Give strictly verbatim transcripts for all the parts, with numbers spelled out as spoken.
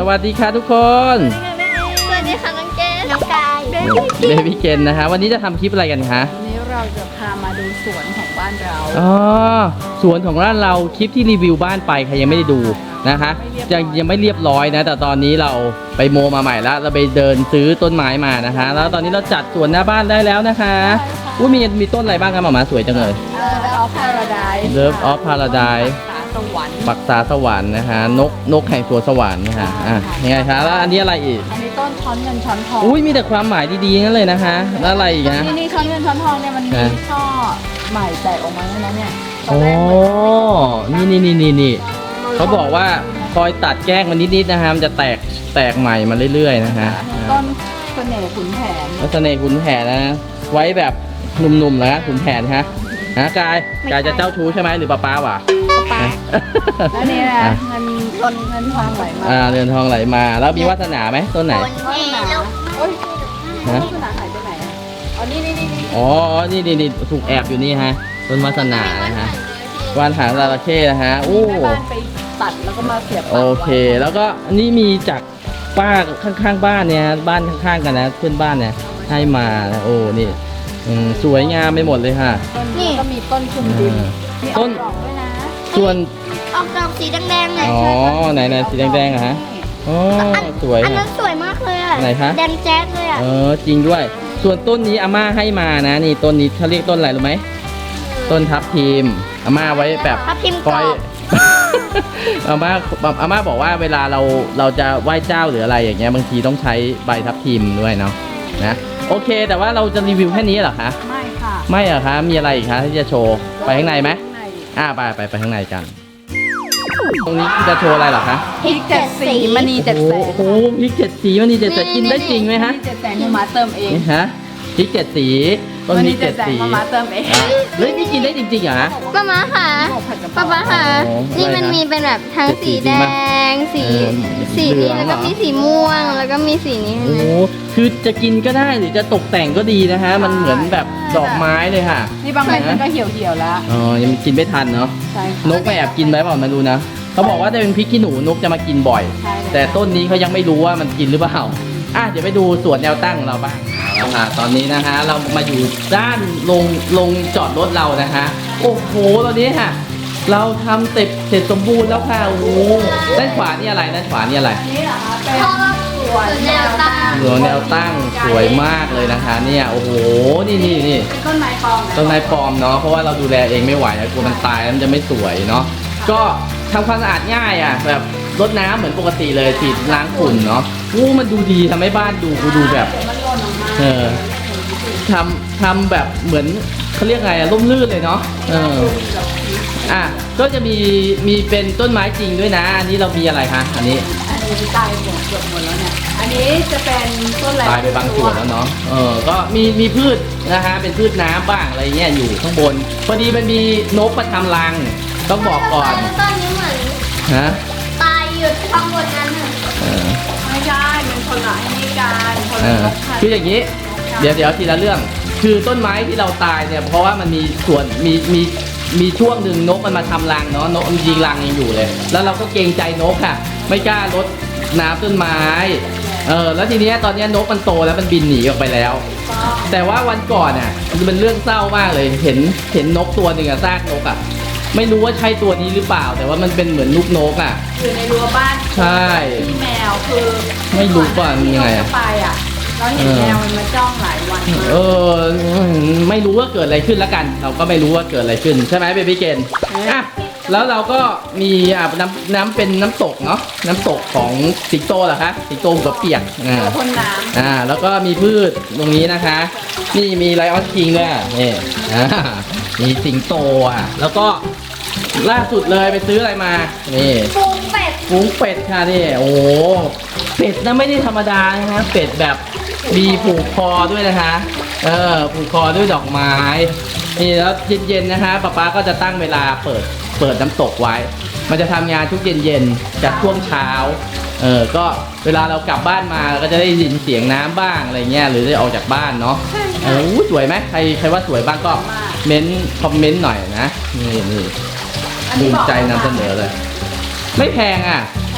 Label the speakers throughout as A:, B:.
A: วัสดีค่ะทุกคน
B: สวัสดีค่ะน้องเกดน้องกายเบ
A: เบบี้เกนนะคะวันนี้จะทำคลิปอะไรกันคะ
C: วันนี้เราจะพามาดูสวนของบ้านเรา
A: อ๋อสวนของร้านเราคลิปที่รีวิวบ้านไปใครยังไม่ได้ดูนะคะยังยังไม่เรียบร้อยนะแต่ตอนนี้เราไปโมมาใหม่แล้วเราไปเดินซื้อต้นไม้มานะคะ แล้วตอนนี้เราจัดสวนหน้าบ้านได้แล้วนะคะอุ้ยมีมีต้นอะไรบ้างครับหมามาสวยจังเลย
C: เลิฟออฟพาราไดซ์
A: Love of Paradise
C: ตาสวรรค์
A: ปักษาสวรรค์นะคะนกนกแห่งสวนสวรรค์นะคะอ่ะยังไงคะแล้วอันนี้อะไรอีก
C: อันนี้ต้นช้อนเงินช้อนทอง
A: อุ้ยมีแต่ความหมายดีๆนั่นเลยนะคะแล้วอะไรอีกนะ
C: นี่นี่ช้อนเงินช้อนทองเนี่ยมันมี
A: ฮะ
C: ช่อใหม่แตกออกมาแล้วนะเนี่ยตอ
A: โอ้
C: นแรกเหมือน
A: นี่นี่นี่นี่นี่เขาบอกว่าคอยตัดแกล้งมันนิดๆนะฮะมันจะแตกแตกใหม่มาเรื่อยๆนะฮะ
C: ต้นเสน่ห์ขุนแผน
A: ลักษณะขุนแผนนะไว้แบบหนุ่มๆแล้วขุนแผนฮะฮะกายกายจะเจ้าชู้ใช่ไหมหรือป้าป้าวะ
C: ปลาแล้วนี่นะ
A: อ่ะ
C: เงินต้นเงินทองไหลมา
A: อ่าเรือนทองไหลมาแล้วมีวาสนาไหมต้นไหน
C: ต้นหนาโอ้ย
A: ฮะ
C: ต้นหนาหายไปไหนอ่ะอ๋อนี่นี่นี่นี่
A: อ๋อนี่นี่นี่ถูกแอบอยู่นี่ฮะต้นวาสนานะฮะวานหางจระเข้นะฮะโอ้
C: แม่บ้านไปตัดแล้วก็มาเสียบ
A: โอเค แล้วก็อันนี้มีจากป้าข้างๆบ้านเนี่ยบ้านข้างๆกันนะเพื่อนบ้านเนี่ยให้มานะโอ้นี่อืมสวยงามไปหมดเลยค่ะ
C: ต้นนี้ก็มีต้นคุมดินมีอ
A: ต้
C: อน กดอกด้วยนะ
A: ส่วน
B: ออกดอกสีแดงๆเลย
A: อ๋อไหนไหนสีแดงๆอะฮะอ๋อสวย
B: อัน
A: ค่ะ
B: นั้นสวยมากเลยอ่ะ
A: ไหนคะ
B: แดงแจ๊ดเลยอ่ะ
A: เออจริงด้วย ส่วนต้นนี้อาม่าให้มานะนี่ต้นนี้เขาเรียกต้นอะไรรู้ไหมต้นทับทิมอาม่าไว้แบบ
B: ทับทิม
A: ค
B: กร
A: อ
B: อย บ
A: อาม่าอาม่าบอกว่าเวลาเราเราจะไหว้เจ้าหรืออะไรอย่างเงี้ยบางทีต้องใช้ใบทับทิมด้วยเนาะนะโอเค แต่ว่าเราจะรีวิวแค่นี้เหรอคะ
C: ไม่ค่ะ
A: ไม่เหรอคะมีอะไรอีกคะที่จะโชว์ไปข้างในไหม
C: ใน
A: อ่าไปไปไปข้างในกัน ตรงนี้จะโชว์อะไรเหรอคะ
C: พริกเจ็ดสีมณีเจ็ดแส
A: โอ้
C: น
A: โหพริกเจ็ดสีมันนี่เจ็ดแสนกินได้จริงไหมฮะ
C: มณีเจ็ดแสนมามาเติมเอง
A: นี่ฮะพริกเจ็ดสีต้น
C: ม
A: พ
C: ณี
A: ริก
C: เจ็
A: เจ็
C: ด
A: ด
C: แสน
A: สี
C: มามาเติมเอง
A: อ่ะเฮ้ยนี่กินได้จริงๆเหรอฮะ
B: ป้าม้าค่ะ
C: ข้าวผัดกะเพ
B: ป้า
C: รา
B: ม้าค่ะ
A: โอ้
B: นี่มัน
A: อะไรนะ
B: มีเป็นแบบทั้ง
A: เป็นสี
B: สีแด
A: จริงปะ
B: ง สี
A: เออ
B: สี
A: เหลื
B: นี้
A: อง
B: แล้วก็
A: เหรอ
B: มีสีม่วง แล้วก็มีสีนี้
A: โอ้โหคือจะกินก็ได้หรือจะตกแต่งก็ดีนะฮะ มันเหมือนแบบดอกไม้เลยค่ะ
C: นี่บางเม็ดมันก็เหี่ยวเหี่ยวๆแล้ว
A: อ๋อยังกินไม่ทันเนาะ
C: ใช่
A: น
C: ค่ะ
A: กไม่แอบกินไหมเปล่ามาดูนะเขาบอกว่าถ้าเป็นพริกขี้หนูนกจะมากินบ่อย
C: ใช่เลย
A: แต่ต้นนี้เขายังไม่รู้ว่ามันกินหรือเปล่าอ่ะเดี๋ยวไปดูสวนแนวตั้งของเราบ้างเอาละค่ะตอนนี้นะฮะเรามาอยู่ด้านลงลงจอดรถเรานะฮะโอ้โหตอนนี้ค่ะ เราทำเสร็จเสร็จสมบูรณ์แล้วค่ะโอ้โหด้านขวานี่อะไรด้านขวานี่อะไร
C: อันนี้เหรอคะเป็น
B: พ่อ
C: สวน
B: แนวตั้ง
A: สวนแนวตั้งสวยมากเลยนะคะ เนี่ยโอ้โหนี่นี่นี่
C: เป็นต้นไม้ปลอมะ
A: ต้นไม้ปลอมเนาะเพราะว่าเราดูแลเองไม่ไหวนะกลัวมันตายแล้วมันจะไม่สวยเนาะก็ทำความสะอาดง่ายอ่ะแบบรดน้ำเหมือนปกติเลยฉีดล้างฝุ่นเนาะอู้มันดูดีทำให้บ้านดูกูดูแบบ
C: เดี๋ยวมันหล่นออกมา
A: เออทำทำแบบเหมือนเขาเรียกไงอะร่มรื่นเลยเนาะเอออ่ะก็จะมีมีเป็นต้นไม้จริงด้วยนะอันนี้เรามีอะไรคะอันนี้
C: อันนี้ตายหมดเกือบหมดแล้วเนี่ย อันนี้จะเป็นต้นอะไร
A: ตายไปบางส่วนแล้วเนาะเออก็มีมีพืชนะฮะเป็นพืชน้ำบ้างอะไรเงี้ยอยู่ข้างบนพอดีมันมีนกมาทำรังต้องบอกก่อน
B: ต้นนี้เหมือน
A: ฮะ
B: ตายอยู่ข้างบนนั้นน่ะ
A: เออ
C: ไม่ใช่เป็นคนละไอ้นี่กันคน
A: เอ
C: ละ
A: อน
C: กค่ะ
A: คืออย่างนี้ เดี๋ยวเดี๋ยวทีละเรื่อง คือต้นไม้ที่เราตายเนี่ยเพราะว่ามันมีส่วนมีมีมีช่วงหนึ่งนกมันมาทำรังเนาะนกมันยิงรังยังอยู่เลย แล้วเราก็เกรงใจนกค่ะ ไม่กล้ารดน้ำต้นไม้เออแล้วทีเนี้ยตอนเนี้ยนกมันโตแล้วมันบินหนีออกไปแล้ว แต่ว่าวันก่อนอ่ะมันเป็นเรื่องเศร้ามากเลยเห็นเห็นนกตัวหนึ่งอะซากนกอ่ะไม่รู้ว่าใช่ตัวนี้หรือเปล่า แต่ว่ามันเป็นเหมือนลูกนกอ่ะ
C: อยู่ในรั้วบ้าน
A: ใช่
C: ที่แมวคือ
A: ไม่รู้ว่ามันยังไงอะ
C: ที่เราจะไปอ่ะเราเห็นแมวมันมาจ้องหลายวันมาก
A: เออไม่รู้ว่าเกิดอะไรขึ้นแล้วกัน เราก็ไม่รู้ว่าเกิดอะไรขึ้นใช่ไหมเบบี้เกนอ่ะแล้วเราก็มีอ่ะน้ำน้ำเป็นน้ำตกเนาะน้ำตกของสิงโตเหรอคะสิงโตหัวเปียกอ่า
C: ตัวพ่นน้
A: อ่าแล้วก็มีพืชตรงนี้นะคะ นี่มีไลออนคิงด้วยอ่ะนี่อ่ามีสิงโตอ่ะแล้วก็ล่าสุดเลยไปซื้ออะไรมานี่
B: ฟูงเป็ด
A: ฟุ้งเป็ดค่ะนี่โอ้โหเป็ดนะไม่ได้ธรรมดานะคะเป็ดแบบมีผูกคอด้วยนะคะเออผูกคอด้วยดอกไม้นี่แล้วเย็นๆนะคะป๊าป๊าก็จะตั้งเวลาเปิดเปิดน้ำตกไว้ มันจะทำงานทุกเย็นๆจากช่วงเช้าเออก็เวลาเรากลับบ้านมาเราก็จะได้ยินเสียงน้ำบ้างอะไรเงี้ยหรือได้ออกจากบ้านเนาะเอออู้สวยไหมใครใครว่าสวยบ้างก็เม้นคอมเมนต์หน่อยนะนี่นี่
C: ำอัน
A: ภู
C: นี้
A: มิ
C: บอก
A: ใจนำเสนอเลย ไม่แพงอ่ะ
C: ใช่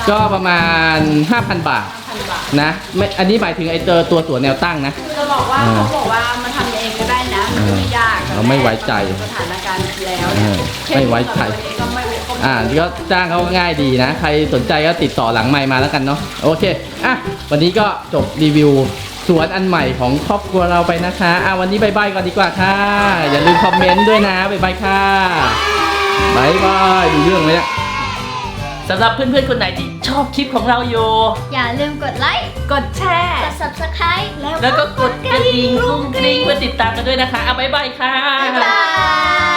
A: ก็ประมาณ ห้าพัน บาท
C: พันบาท
A: นะไม่อันนี้หมายถึงไอเตอร์ตัวสวนแนวตั้งนะ
C: คือจะบอกว่า
A: อ่า
C: เขาบอกว่ามันทำเองก็ได้นะมันไม่ยาก
A: เราไม่ไว้ใจ
C: สถานการณ์แล้ว
A: เออไม่ไว้ใจ
C: ก็ไม่ไว้ใจ
A: อ่าก็จ้างเขาง่ายดีนะ ใครสนใจก็ติดต่อหลังไมค์มาแล้วกันเนาะโอเคอ่ะวันนี้ก็จบรีวิวสวนอันใหม่ของครอบครัวเราไปนะคะอ่ะวันนี้บายบายก่อนดีกว่าค่ะ อย่าลืมคอมเมนต์ด้วยนะบายบายค่ะบายบายดูเรื่องเลยเนี่ยสำหรับเพื่อนๆคนไหนที่ชอบคลิปของเราอยู่
B: อย่าลืมกดไลค์
C: กดแชร์
B: กด ซับสไครบ์
A: แล้วก็กดกระดิ่งกรุ้งกริ้งเพื่อติดตามกันด้วยนะคะเอาบายบายค่ะ
B: บ๊ายบาย